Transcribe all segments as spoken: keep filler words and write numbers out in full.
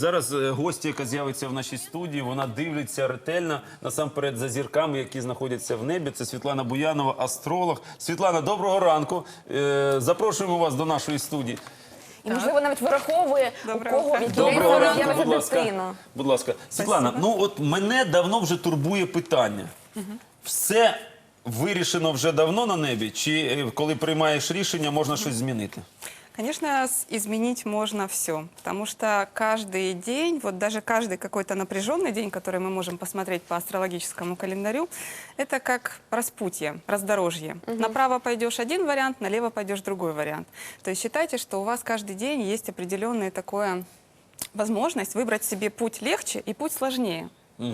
Зараз е, гостя, яка з'явиться в нашій студії, вона дивиться ретельно, насамперед, за зірками, які знаходяться в небі. Це Світлана Буянова, астролог. Світлана, доброго ранку. Е, запрошуємо вас до нашої студії. І, можливо, навіть вираховує, у кого в який день Доброго ранку, з'явиться будь ласка. дитина. Будь ласка. Світлана, ну от мене давно вже турбує питання. Все вирішено вже давно на небі? Чи е, коли приймаєш рішення, можна щось змінити? Конечно, с- изменить можно все, потому что каждый день, вот даже каждый какой-то напряженный день, который мы можем посмотреть по астрологическому календарю, это как распутье, раздорожье. Направо пойдешь один вариант, налево пойдешь другой вариант. То есть считайте, что у вас каждый день есть определенная такая возможность выбрать себе путь легче и путь сложнее.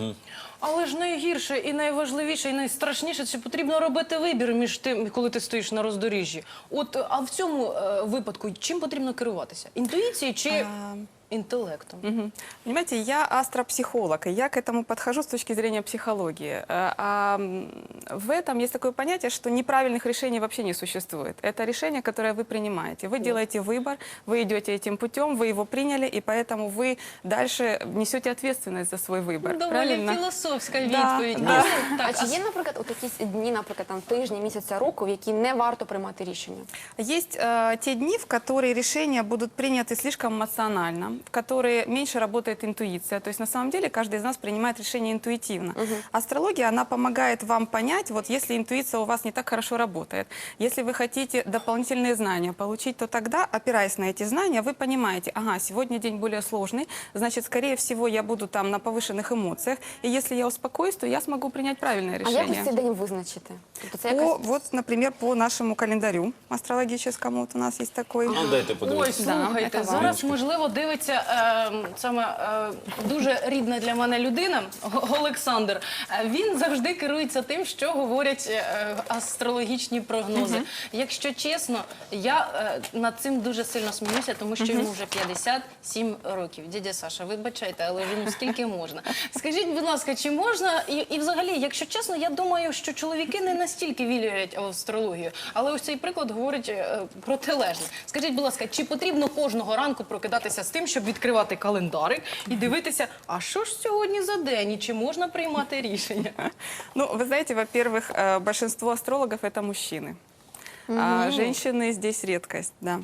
Але ж найгірше і найважливіше, і найстрашніше – це потрібно робити вибір між тим, коли ти стоїш на роздоріжжі. От, а в цьому е, випадку чим потрібно керуватися? Інтуїцією чи інтелектом? Мгм. Понимаете, я астропсихолог, и я к этому подхожу с точки зрения психологии. Э, А м, в этом есть такое понятие, что неправильных решений вообще не существует. Это решение, которое вы принимаете. Вы делаете выбор, вы идете этим путем, вы его приняли, и поэтому вы дальше несете ответственность за свой выбор. Доволі Правильно? філософська Да, відповідь. да. Ну, так, А чи є, наприклад, от якісь дні, наприклад, там тижні, місяця, року, в які не варто приймати рішення? Есть э, те дни, в которые решения будут приняты слишком эмоционально, в которые меньше работает интуиция. То есть на самом деле каждый из нас принимает решение интуитивно. Астрология, она помогает вам понять, вот если интуиция у вас не так хорошо работает, если вы хотите дополнительные знания получить, то тогда, опираясь на эти знания, вы понимаете, ага, сегодня день более сложный, значит, скорее всего, я буду там на повышенных эмоциях, и если я успокоюсь, то я смогу принять правильное А як ось решение. цей день визначити? Тобто це По, якась... вот, например, по нашему календарю астрологическому, вот у нас есть такой. Ну, дайте Ой, подивитися. слухайте, Да, зараз, можливо, дивиться е, саме е, дуже рідна для мене людина, Г- Олександр. Е, Він завжди керується тим, що говорять е, астрологічні прогнози. Якщо чесно, я е, над цим дуже сильно сміюся, тому що йому вже п'ятдесят сім років. Дядя Саша, вибачайте, але вже ну скільки можна. Скажіть, будь ласка, чи можна, і, і взагалі, якщо чесно, я думаю, що чоловіки не настільки вірять в астрологію, але ось цей приклад говорить е, протилежне. Скажіть, будь ласка, чи потрібно кожного ранку прокидатися з тим, щоб відкривати календарик і дивитися, а що ж сьогодні за день, і чи можна приймати рішення? Ну, вы знаете, во-первых, э, большинство астрологов это мужчины. А женщины здесь редкость, да.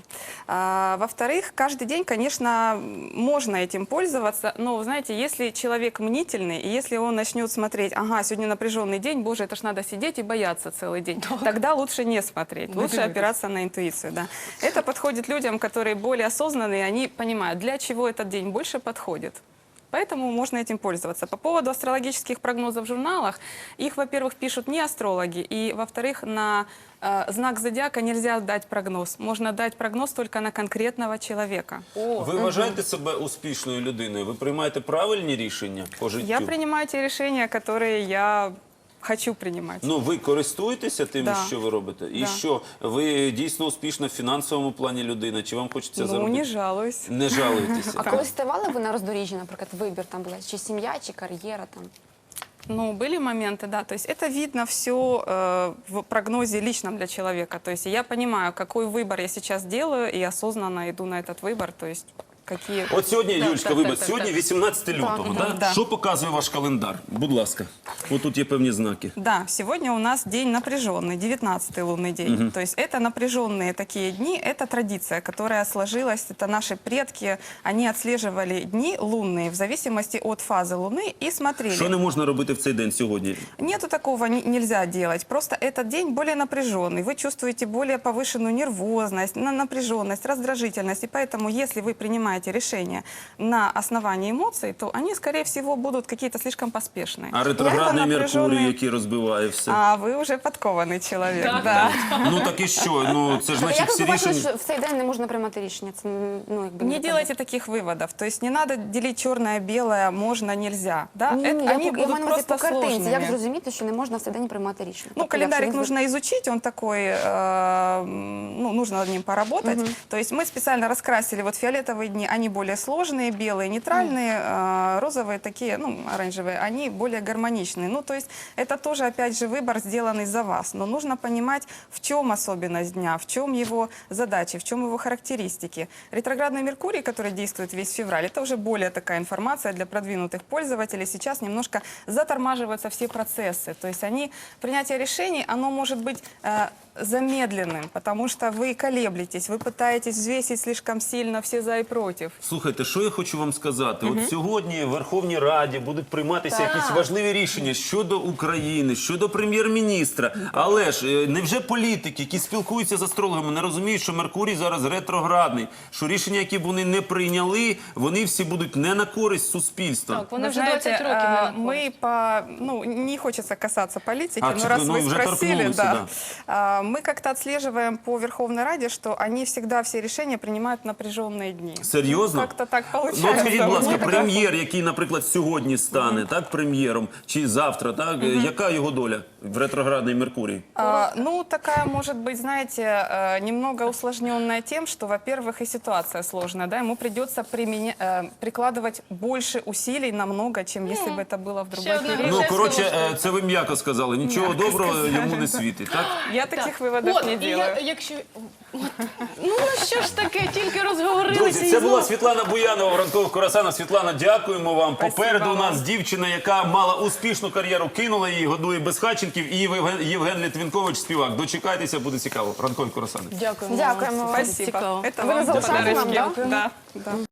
А, во-вторых, каждый день, конечно, можно этим пользоваться, но, вы знаете, если человек мнительный, и если он начнет смотреть, ага, сегодня напряженный день, боже, это ж надо сидеть и бояться целый день, тогда лучше не смотреть, лучше опираться на интуицию, да. Это подходит людям, которые более осознанные, они понимают, для чего этот день больше подходит. Поэтому можно этим пользоваться. По поводу астрологических прогнозов в журналах, их, во-первых, пишут не астрологи, и, во-вторых, на э, знак зодиака нельзя дать прогноз. Можно дать прогноз только на конкретного человека. Ви вважаєте себе успішною людиною? Ви приймаєте правильні рішення по життю? Я принимаю те решения, которые я хочу принимать. Ну, ви користуєтеся тим, Да. що ви робите? І Да. що? Ви дійсно успішна в фінансовому плані людина? Чи вам хочеться Ну, заробити? не жалуюсь. Не жалуєтеся. А коли ставали ви на роздоріжжі, наприклад, вибір там була, чи сім'я, чи кар'єра там? Ну, были моменты, да. То есть это видно все э, в прогнозе личном для человека. То есть я понимаю, какой выбор я сейчас делаю, и осознанно иду на этот выбор. То есть какие... От сьогодні, Да, Юлічка, так, вибач, так, так, сьогодні так. вісімнадцяте лютого, да, да? да. Що показує ваш календар? Будь ласка. Ось тут є певні знаки. Да, сегодня у нас день напряженный, девятнадцатый лунный день. То есть это напряженные такие дни, это традиция, которая сложилась, это наши предки, они отслеживали дни лунные в зависимости от фазы Луны и смотрели. Що не можна робити в цей день сьогодні? Нету такого, не- нельзя делать. Просто этот день более напряженный. Вы чувствуете более повышенную нервозность, на- напряженность, раздражительность. И поэтому, если вы принимаете решение на основании эмоций, то они, скорее всего, будут какие-то слишком поспешные. А ретроградний Это напряженные- Меркурій, який розбиває все. А вы уже подкованный человек, Так, да. Ну так і що? Ну це ж А значить як ви всі побачили, рішення... що в цей день не можна приймати рішення? Це, ну, якби, Не делайте таких выводов. То есть не надо делить черное-белое, можно, нельзя. Да? Ні, Это- ні, я, они я будут маю на увазі просто по картинці. Як сложными. зрозуміти, що не можна в цей день приймати рішення? Ну, Тобто, календарик якщо він нужно изучить, он такой, э, ну, нужно над ним поработать. То есть мы специально раскрасили вот фиолетовые дни, окрашивания, они более сложные, белые нейтральные, э, розовые такие, ну, оранжевые, они более гармоничные. Ну, то есть это тоже, опять же, выбор, сделанный за вас. Но нужно понимать, в чем особенность дня, в чем его задачи, в чем его характеристики. Ретроградный Меркурий, который действует весь февраль, это уже более такая информация для продвинутых пользователей. Сейчас немножко затормаживаются все процессы. То есть они, принятие решений, оно может быть э, замедленным, потому что вы колеблетесь, вы пытаетесь взвесить слишком сильно все за и против. Слухайте, що я хочу вам сказати? От сьогодні в Верховній Раді будуть прийматися якісь важливі рішення щодо України, щодо прем'єр-міністра. Але ж е, невже політики, які спілкуються з астрологами, не розуміють, що Меркурій зараз ретроградний, що рішення, які б вони не прийняли, вони всі будуть не на користь суспільства? Так, вони Вы вже знаете, двадцять років не а, на користь. мы по, ну, не хочется касаться политики, А, но чё, раз ну, вы уже спросили, торкнулись, да, да. А, мы как-то отслеживаем по Верховной Раде, что они всегда все решения принимают в напряженные дни. Серйозно? Как-то так Ну, от получается. скажіть, будь ласка, Вот так. прем'єр, який, наприклад, сьогодні стане так, прем'єром, чи завтра, так, е, яка його доля в ретроградний Меркурій? А, ну, такая может быть, знаете, э, немного усложненная тем, что, во-первых, и ситуация сложная, да, ему придется применя- э, прикладывать больше усилий намного, чем если бы это было в другой Ще одна период. Ну, Греческого коротше, штуку. е, це ви м'яко сказали. Нічого доброго йому не світить, так? Я таких Так. выводов От, не і делаю. я, якщо... От, ну, що ж таке, тільки розговорилися Друзі, і це була знову. Світлана Буянова в ранкових Курасанах. Світлана, дякуємо вам. Спасибо Попереду у вам. нас дівчина, яка мала успішну кар'єру, кинула її, годує безхатченків, і Євген, Євген Літвінкович, співак. Дочекайтеся, буде цікаво. Ранкові Курасани. Дякуємо. Дякуємо вам. Спасибо. Цікаво. Это Вы вам залишаєте нам, подарочки. да? Да, да.